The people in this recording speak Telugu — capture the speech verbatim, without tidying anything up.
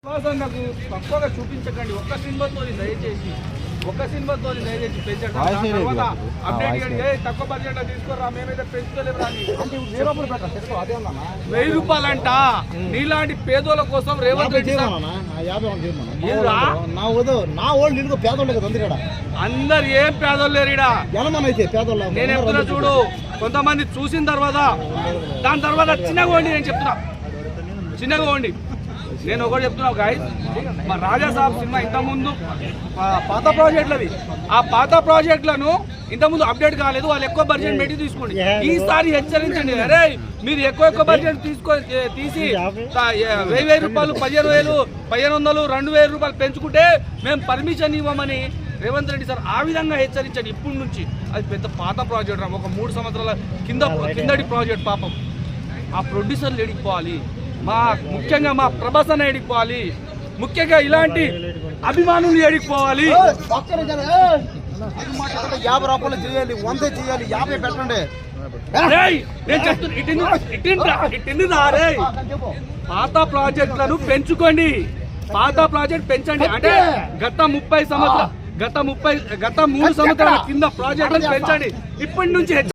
నాకు తక్కువగా చూపించకండి. ఒక్క సినిమాతో దయచేసి ఒక్క సినిమాతో దయచేసి పెంచండి. తక్కువ బడ్జెట్ తీసుకోరా, మేమైతే పెంచుకోలేము. వెయ్యి రూపాయలంట నీలాంటి పేదోళ్ళ కోసం రేవంత్ రెడ్డి అందరు ఏం పేదోళ్ళు లేరు ఈడ. నేను చెప్తున్నా చూడు, కొంతమంది చూసిన తర్వాత దాని తర్వాత చిన్నగా ఉండి నేను చెప్తున్నా చిన్నగా ఉండి నేను ఒకటి చెప్తున్నా గాయస్, మా రాజా సాబ్ సినిమా ఇంతకుముందు పాత ప్రాజెక్టులవి, ఆ పాత ప్రాజెక్టులను ఇంతకుముందు అప్డేట్ కాలేదు. వాళ్ళు ఎక్కువ బడ్జెట్ పెట్టి తీసుకోండి. ఈసారి హెచ్చరించండి, అరే మీరు ఎక్కువ ఎక్కువ బడ్జెట్ తీసుకో తీసి వెయ్యి వెయ్యి రూపాయలు పదిహేను వేలు పదిహేను వందలు రెండు వేల రూపాయలు పెంచుకుంటే మేము పర్మిషన్ ఇవ్వమని రేవంత్ రెడ్డి సార్ ఆ విధంగా హెచ్చరించండి. ఇప్పటి నుంచి అది పెద్ద పాత ప్రాజెక్ట్ రా, ఒక మూడు సంవత్సరాల కింద కిందటి ప్రాజెక్ట్. పాపం ఆ ప్రొడ్యూసర్లు ఎడిగిపోవాలి, మా ముఖ్యంగా మా ప్రభాస్ అన్న ఎడిగిపోవాలి, ముఖ్యంగా ఇలాంటి అభిమానులు ఎడిగిపోవాలి. యాభై రూపాయలు చేయాలి, వంద చేయాలి, యాభై పెట్టండి. నేను చెప్తున్నా పాత ప్రాజెక్టులను పెంచుకోండి, పాత ప్రాజెక్ట్ పెంచండి. అంటే గత ముప్పై సంవత్సరాలు గత ముప్పై గత మూడు సంవత్సరాల కింద ప్రాజెక్టులను పెంచండి. ఇప్పటి నుంచి